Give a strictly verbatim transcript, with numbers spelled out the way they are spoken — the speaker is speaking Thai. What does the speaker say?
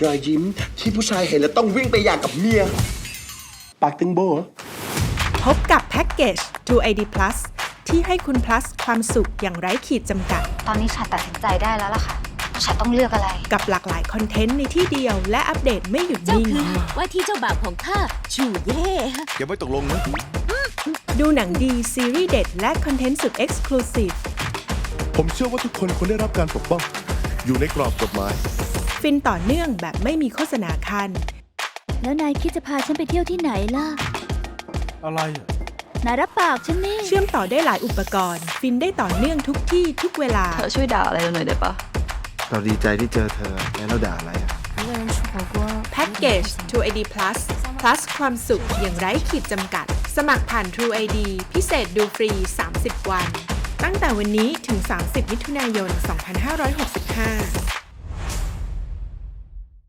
รอยยิ้มที่ผู้ชายเห็นแล้วต้องวิ่งไปอยากกับเมียปากตึงโบเหรอพบกับแพ็กเกจ ทรู ไอ ดี Plus ที่ให้คุณ plus ความสุขอย่างไร้ขีดจำกัดตอนนี้ฉันตัดสินใจได้แล้วล่ะค่ะว่าฉันต้องเลือกอะไรกับหลากหลายคอนเทนต์ในที่เดียวและอัปเดตไม่หยุดเจ้านิ่งคือว่าที่เจ้าบ่าวของข้าชูเย่ยังไม่ตกลงนะดูหนังดี ซีรีส์เด็ด และคอนเทนต์สุด Exclusive ผมเชื่อว่าทุกคนควรได้รับการปกป้อง อยู่ในกรอบกฎหมายฟินต่อเนื่องแบบไม่มีโฆษณาคันแล้วนายคิดจะพาฉันไปเที่ยวที่ไหนล่ะอะไรอ่ะนายรับปากฉันนี่เชื่อมต่อได้หลายอุปกรณ์ ฟินได้ต่อเนื่องทุกที่ทุกเวลาเธอช่วยด่าอะไรเราหน่อยได้ปะเราดีใจที่เจอเธอแล้วเราด่าอะไรอ่ะแพ็กเกจ ทรู ไอ ดี Plus plus ความสุขอย่างไร้ขีดจำกัด สมัครผ่าน True ไอ ดี พิเศษดูฟรี สามสิบ วัน ตั้งแต่วันนี้ถึง สามสิบ มิถุนายน สองพันห้าร้อยหกสิบห้า